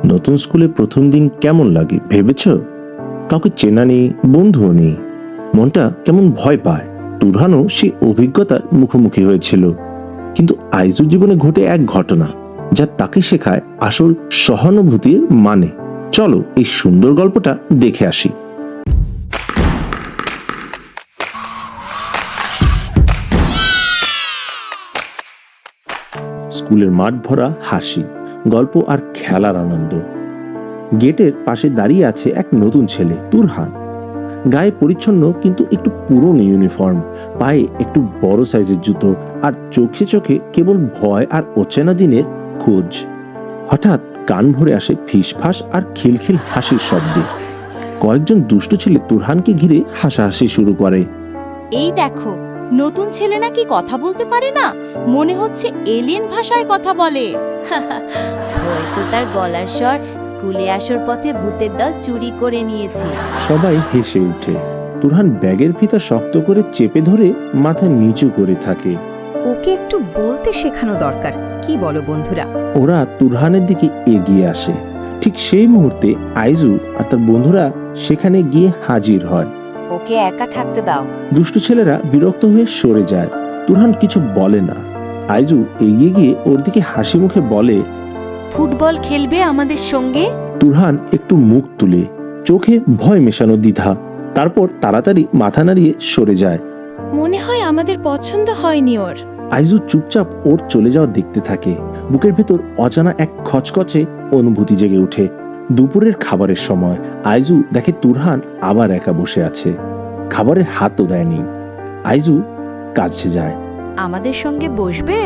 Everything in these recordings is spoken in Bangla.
নতুন স্কুলে প্রথম দিন কেমন লাগে ভেবেছ? কাউকে চেনা নেই, বন্ধুও নেই, মনটা কেমন ভয় পায়। তুরহানও সেই অভিজ্ঞতার মুখোমুখি হয়েছিল, কিন্তু আইজুর জীবনে ঘটে এক ঘটনা যা তাকে শেখায় আসল সহানুভূতির মানে। চলো এই সুন্দর গল্পটা দেখে আসি। স্কুলের মাঠ ভরা হাসি, গল্প আর খেলার আনন্দ। গেটের পাশে দাঁড়িয়ে আছে এক নতুন ছেলে, তুরহান। গায়ে পরিচ্ছন্ন কিন্তু একটু পুরনো ইউনিফর্ম, পায়ে একটু বড় সাইজের জুতো, আর চোখে চোখে কেবল ভয় আর অচেনা দিনের খোঁজ। হঠাৎ কান ভরে আসে ফিসফাস আর খিলখিল হাসির শব্দে। কয়েকজন দুষ্ট ছেলে তুরহানকে ঘিরে হাসাহাসি শুরু করে। এই দেখো, নতুন ছেলে নাকি কথা বলতে পারে না, মনে হচ্ছে এলিয়েন ভাষায় কথা বলে। হয়তো তার গলার স্বর স্কুলে আসার পথে ভূতের দল চুরি করে নিয়েছে। সবাই হেসে ওঠে। তুরহান ব্যাগের ফিতা শক্ত করে চেপে ধরে মাথা নিচু করে থাকে। ওকে একটু বলতে শেখানো দরকার, কি বলো বন্ধুরা? ওরা তুরহানের দিকে এগিয়ে আসে। ঠিক সেই মুহূর্তে আইজু আর তার বন্ধুরা সেখানে গিয়ে হাজির হয়। ওকে একা থাকতে দাও। দুষ্টু ছেলেরা বিরক্ত হয়ে সরে যায়। তুরহান কিছু বলে না। আইজু এগিয়ে গিয়ে ওর দিকে হাসি মুখে বলে, ফুটবল খেলবে আমাদের সঙ্গে? তুরহান একটু মুখ তুলে, চোখে ভয় মেশানো দ্বিধা, তারপর তাড়াতাড়ি মাথা নাড়িয়ে সরে যায়। মনে হয় আমাদের পছন্দ হয়নি ওর। আইজু চুপচাপ ওর চলে যাওয়া দেখতে থাকে। বুকের ভেতর অজানা এক খচখচে অনুভূতি জেগে ওঠে। দুপুরের খাবারের সময় আইজু দেখে তুরহান আবার একা বসে আছে, খাবারের হাতও দেয়নি। আইজু কাছে যায়। আমাদের সঙ্গে বসবে?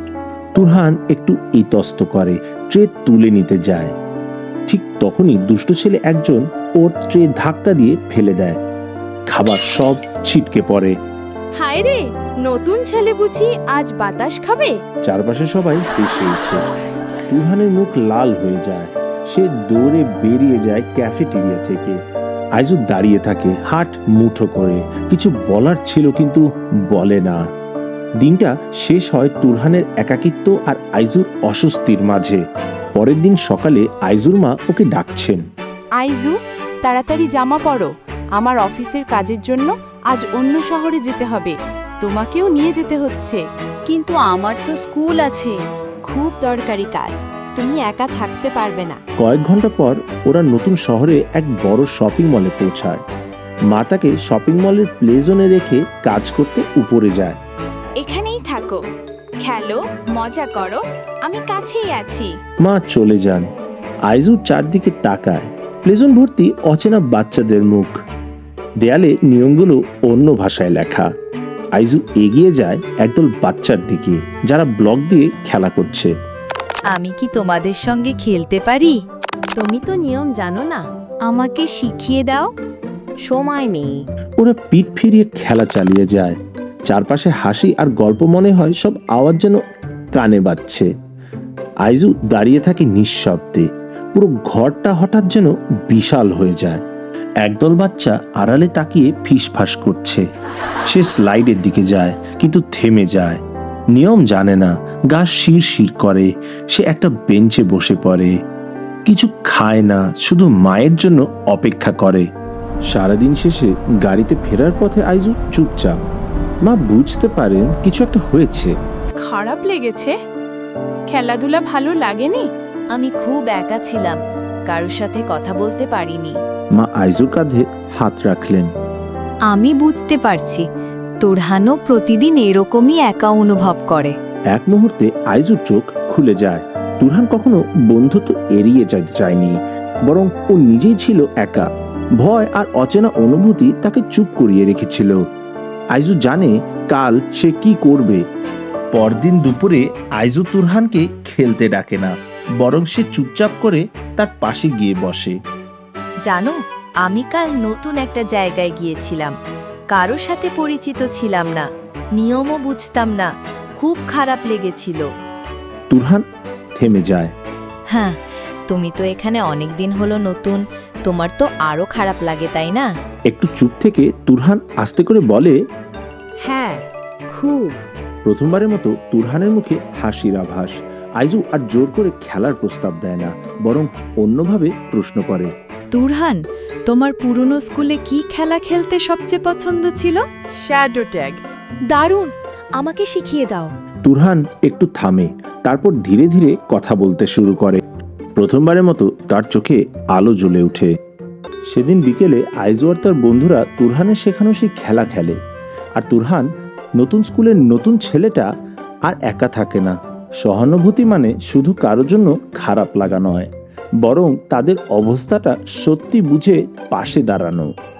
তুরহান একটু ইতস্ত করে, ট্রে তুলে নিতে যায়। ঠিক তখনই দুষ্ট ছেলে একজন ওর ট্রে ধাক্কা দিয়ে ফেলে দেয়। খাবার সব ছিটকে পড়ে। হায় রে, নতুন ছেলে বুঝি আজ বাতাস খাবে? চারপাশে সবাই হেসে ওঠে। তুরহানের মুখ লাল হয়ে যায়। সে দৌড়ে বেরিয়ে যায় ক্যাফেটেরিয়া থেকে। আইজু দাঁড়িয়ে থাকে, হাত মুঠো করে। কিছু বলার ছিল কিন্তু বলে না। দিনটা শেষ হয় তুরহানের একাকিত্ব আর আইজুর অস্বস্তির মাঝে। পরের দিন সকালে আইজুর মা ওকে ডাকছেন। আইজু, তাড়াতাড়ি জামা পরো, আমার অফিসের কাজের জন্য আজ অন্য শহরে যেতে হবে, তোমাকেও নিয়ে যেতে হচ্ছে। কিন্তু আমার তো স্কুল আছে, খুব দরকারি কাজ, তুমি একা থাকতে পারবে না। কয়েক ঘন্টা পর ওরা নতুন শহরে এক বড় শপিং মলে পৌঁছায়। মা তাকে শপিং মলের প্লে জোনে রেখে কাজ করতে উপরে যায়। এখানেই থাকো, খেলো, মজা করো, আমি কাছেই আছি। মা চলে যান। আইজু চারদিকে তাকায়। প্লেজন ভর্তি অচেনা বাচ্চাদের মুখ, দেয়ালে নিয়মগুলো অন্য ভাষায় লেখা। আইজু এগিয়ে যায় একদল বাচ্চার দিকে যারা ব্লক দিয়ে খেলা করছে। আমি কি তোমাদের সঙ্গে খেলতে পারি? তুমি তো নিয়ম জানো না, আমাকে শিখিয়ে দাও। সময় নেই। ওরা পিঠ ফিরিয়ে খেলা চালিয়ে যায়। চারপাশে হাসি আর গল্প, মনে হয় সব আওয়াজ যেন কানে বাজছে। আইজু দাঁড়িয়ে থাকে নিঃশব্দে। পুরো ঘরটা হঠাৎ যেন বিশাল হয়ে যায়। একদল বাচ্চা আড়ালে তাকিয়ে ফিসফাস করছে। সে স্লাইডের দিকে যায় কিন্তু থেমে যায়। নিয়ম জানে না, গা শিরশির করে। সে একটা বেঞ্চে বসে পড়ে, কিছু খায় না, শুধু মায়ের জন্য অপেক্ষা করে। সারাদিন শেষে গাড়িতে ফেরার পথে আইজু চুপচাপ। মা বুঝতে পারেন কিছু একটা হয়েছে। খারাপ লেগেছে? খেলাধুলা ভালো লাগেনি? আমি খুব একা ছিলাম, কারোর সাথে কথা বলতে পারিনি। মা আইজুর কাঁধে হাত রাখলেন। আমি বুঝতে পারছি, তুরহানও প্রতিদিন এরকমই একা অনুভব করে। এক মুহূর্তে আইজুর চোখ খুলে যায়। তুরহান কখনো বন্ধুত্ব এড়িয়ে যেতে চায়নি, বরং ও নিজেই ছিল একা। ভয় আর অচেনা অনুভূতি তাকে চুপ করিয়ে রেখেছিল। আইজু জানে কাল সে কি করবে। পরদিন দুপুরে আইজু তুরহানকে খেলতে ডাকে না, বরং সে চুপচাপ করে তার পাশে গিয়ে বসে। জানো, আমি কাল নতুন একটা জায়গায় গিয়েছিলাম, কারোর সাথে পরিচিত ছিলাম না, নিয়মও বুঝতাম না, খুব খারাপ লেগেছিল। তুরহান থেমে যায়। হ্যাঁ, তুমি তো এখানে অনেক দিন হলো নতুন, তোমার তো আরো খারাপ লাগে, তাই না? একটু চুপ থেকে তুরহান আস্তে করে বলে, হ্যাঁ, খুব। প্রথমবারের মতো তুরহানের মুখে হাসির আভাস। আইজু আর জোর করে খেলার প্রস্তাব দেয় না, বরং অন্যভাবে প্রশ্ন করে। তুরহান, তোমার পুরনো স্কুলে কি খেলা খেলতে সবচেয়ে পছন্দ ছিল? Shadow tag. দারুণ, আমাকে শিখিয়ে দাও। তুরহান একটু থামে, তারপর ধীরে ধীরে কথা বলতে শুরু করে। প্রথমবারের মতো তার চোখে আলো জ্বলে ওঠে। সেদিন বিকেলে আইজু আর তার বন্ধুরা তুরহানের শেখানো সেই খেলা খেলে। আর তুরহান, নতুন স্কুলের নতুন ছেলেটা, আর একা থাকে না। সহানুভূতি মানে শুধু কারোর জন্য খারাপ লাগা নয়, বরং তাদের অবস্থাটা সত্যি বুঝে পাশে দাঁড়ানো।